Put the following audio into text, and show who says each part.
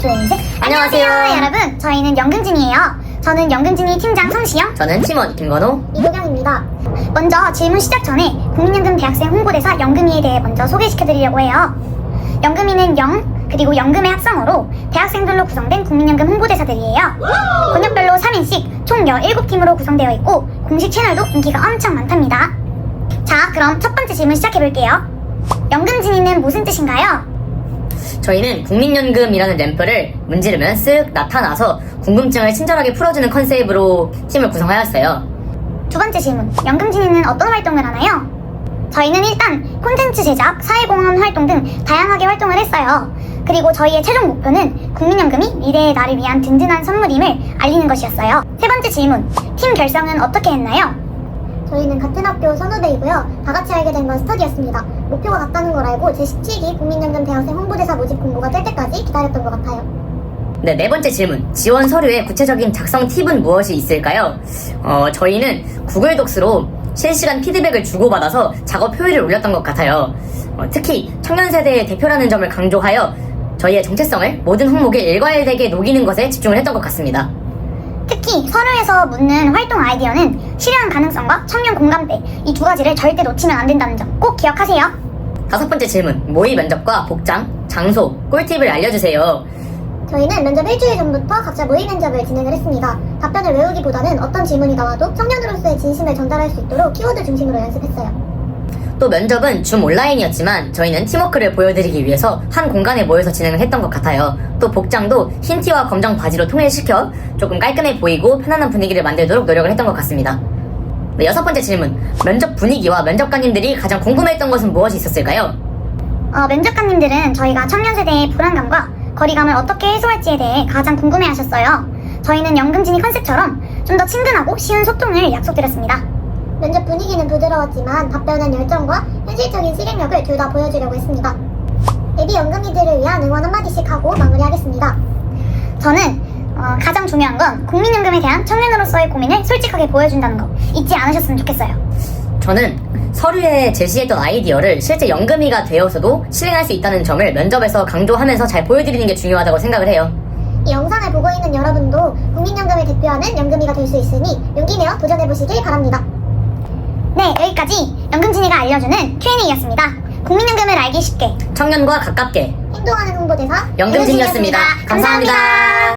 Speaker 1: 둘, 셋. 안녕하세요 여러분, 저희는 연금진이에요. 저는 연금진이 팀장 성시영,
Speaker 2: 저는 팀원 김건호,
Speaker 1: 이도경입니다. 먼저 질문 시작 전에 국민연금 대학생 홍보대사 연금이에 대해 먼저 소개시켜드리려고 해요. 연금이는 그리고 연금의 합성어로 대학생들로 구성된 국민연금 홍보대사들이에요. 권역별로 3인씩 총 17팀으로 구성되어 있고 공식 채널도 인기가 엄청 많답니다. 자, 그럼 첫 번째 질문 시작해볼게요. 연금진이는 무슨 뜻인가요?
Speaker 2: 저희는 국민연금이라는 램프를 문지르면 쓱 나타나서 궁금증을 친절하게 풀어주는 컨셉으로 팀을 구성하였어요.
Speaker 1: 두 번째 질문, 연금진이는 어떤 활동을 하나요? 저희는 일단 콘텐츠 제작, 사회공헌 활동 등 다양하게 활동을 했어요. 그리고 저희의 최종 목표는 국민연금이 미래의 나를 위한 든든한 선물임을 알리는 것이었어요. 세 번째 질문, 팀 결성은 어떻게 했나요? 저희는 같은 학교 선후배이고요. 다 같이 알게 된 건 스터디였습니다. 목표가 같다는 걸 알고 제17기 국민연금 대학생 홍보대사 모집 공고가 뜰 때까지 기다렸던 것 같아요.
Speaker 2: 네, 네 번째 질문, 지원 서류의 구체적인 작성 팁은 무엇이 있을까요? 저희는 구글 독스로 실시간 피드백을 주고받아서 작업 효율을 올렸던 것 같아요. 특히 청년 세대의 대표라는 점을 강조하여 저희의 정체성을 모든 항목에 일괄되게 녹이는 것에 집중을 했던 것 같습니다.
Speaker 1: 특히 서류에서 묻는 활동 아이디어는 실현 가능성과 청년 공감대, 이 두 가지를 절대 놓치면 안 된다는 점 꼭 기억하세요.
Speaker 2: 다섯 번째 질문, 모의 면접과 복장, 장소, 꿀팁을 알려주세요.
Speaker 1: 저희는 면접 일주일 전부터 각자 모의 면접을 진행을 했습니다. 답변을 외우기보다는 어떤 질문이 나와도 청년으로서의 진심을 전달할 수 있도록 키워드 중심으로 연습했어요.
Speaker 2: 또 면접은 줌 온라인이었지만 저희는 팀워크를 보여드리기 위해서 한 공간에 모여서 진행을 했던 것 같아요. 또 복장도 흰 티와 검정 바지로 통일시켜 조금 깔끔해 보이고 편안한 분위기를 만들도록 노력을 했던 것 같습니다. 네, 여섯 번째 질문, 면접 분위기와 면접관님들이 가장 궁금해했던 것은 무엇이 있었을까요?
Speaker 1: 면접관님들은 저희가 청년 세대의 불안감과 거리감을 어떻게 해소할지에 대해 가장 궁금해하셨어요. 저희는 연금진이 컨셉처럼 좀 더 친근하고 쉬운 소통을 약속드렸습니다. 면접 분위기는 부드러웠지만 답변은 열정과 현실적인 실행력을 둘 다 보여주려고 했습니다. 예비 연금이들을 위한 응원 한마디씩 하고 마무리하겠습니다. 저는 가장 중요한 건 국민연금에 대한 청년으로서의 고민을 솔직하게 보여준다는 거 잊지 않으셨으면 좋겠어요.
Speaker 2: 저는 서류에 제시했던 아이디어를 실제 연금이가 되어서도 실행할 수 있다는 점을 면접에서 강조하면서 잘 보여드리는 게 중요하다고 생각을 해요.
Speaker 1: 이 영상을 보고 있는 여러분도 국민연금을 대표하는 연금이가 될 수 있으니 용기 내어 도전해보시길 바랍니다. 네, 여기까지 연금진이가 알려주는 Q&A였습니다. 국민연금을 알기 쉽게,
Speaker 2: 청년과 가깝게
Speaker 1: 행동하는 홍보대사
Speaker 2: 연금진이었습니다. 감사합니다.